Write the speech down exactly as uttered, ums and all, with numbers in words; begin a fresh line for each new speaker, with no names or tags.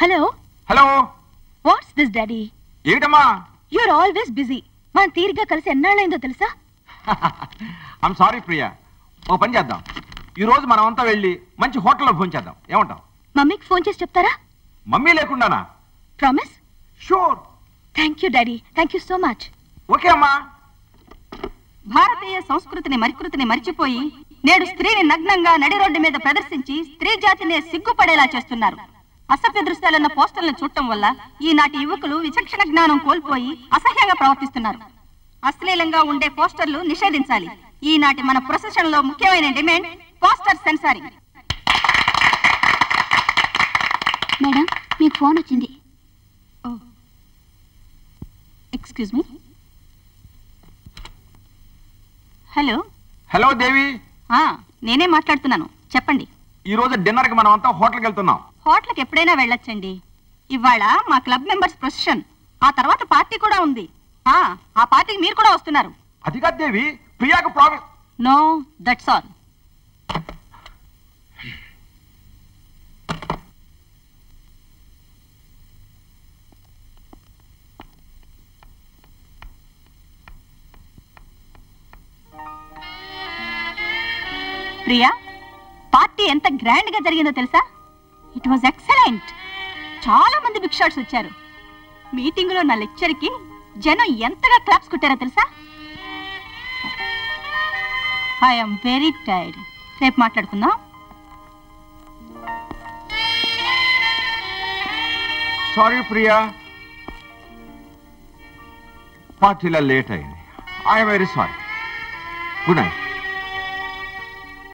Hello
hello
what's this daddy?
ఏమిటమ్మా?
You are always busy. మనం తీరిగ్గా కలిసి ఎన్నాళ్ళైందో తెలుసా?
I'm sorry Priya. ఓ పని చేద్దాం, ఈ రోజు మనం అంతా వెళ్ళి మంచి హోటల్లో ఫోన్ చేద్దాం. ఏమంటాం?
మమ్మీకి ఫోన్ చేసి చెప్తారా?
మమ్మీ లేకుండానా?
Promise?
Sure.
Thank you daddy, thank you so much.
Okay అమ్మా.
భారతీయ సంస్కృతిని మరికృతిని మరిచిపోయి నేడు స్త్రీని నగ్నంగా నడి రోడ్డు మీద ప్రదర్శించి స్త్రీ జాతినే సిగ్గుపడేలా చేస్తున్నారు. అసభ్య దృశ్యాలున్న పోస్టర్లను చూడటం వల్ల ఈనాటి యువకులు విచక్షణ జ్ఞానం కోల్పోయి అసహ్యంగా ప్రవర్తిస్తున్నారు. అశ్లీలంగా ఉండే పోస్టర్లు నిషేధించాలి. ఈనాటి మన ప్రొసెషన్ లో ముఖ్యమైన డిమాండ్ పోస్టర్ సెన్సారింగ్.
మేడం, మీకు ఫోన్ వచ్చింది.
Excuse me. Hello.
Hello Devi.
నేనే మాట్లాడుతున్నాను, చెప్పండి.
ఈ రోజు డిన్నర్ కి మనం అంతా హోటల్కి వెళ్తున్నాం.
హోటల్కి ఎప్పుడైనా వెళ్ళొచ్చండి. ఇవాళ మా క్లబ్ మెంబర్స్ ప్రొసెషన్, ఆ తర్వాత పార్టీ కూడా ఉంది. ఆ పార్టీకి మీరు కూడా వస్తున్నారు.
అది కాదు దేవి, ప్రియాకు promise.
No, that's all. Priya, party ఎంత గ్రాండ్ గా జరిగిందో తెలుసా? It was excellent. చాలా మంది బిగ్ షాట్స్ వచ్చారు. మీటింగ్ లో నా లెక్చర్ కి జనం ఎంతగా క్లాప్స్ కొట్టారో తెలుసా? I'm very tired. రేపు మాట్లాడుకుందాం.
సారీ ప్రియా, పార్టీలో లేట్ అయింది. I'm very sorry. Good night.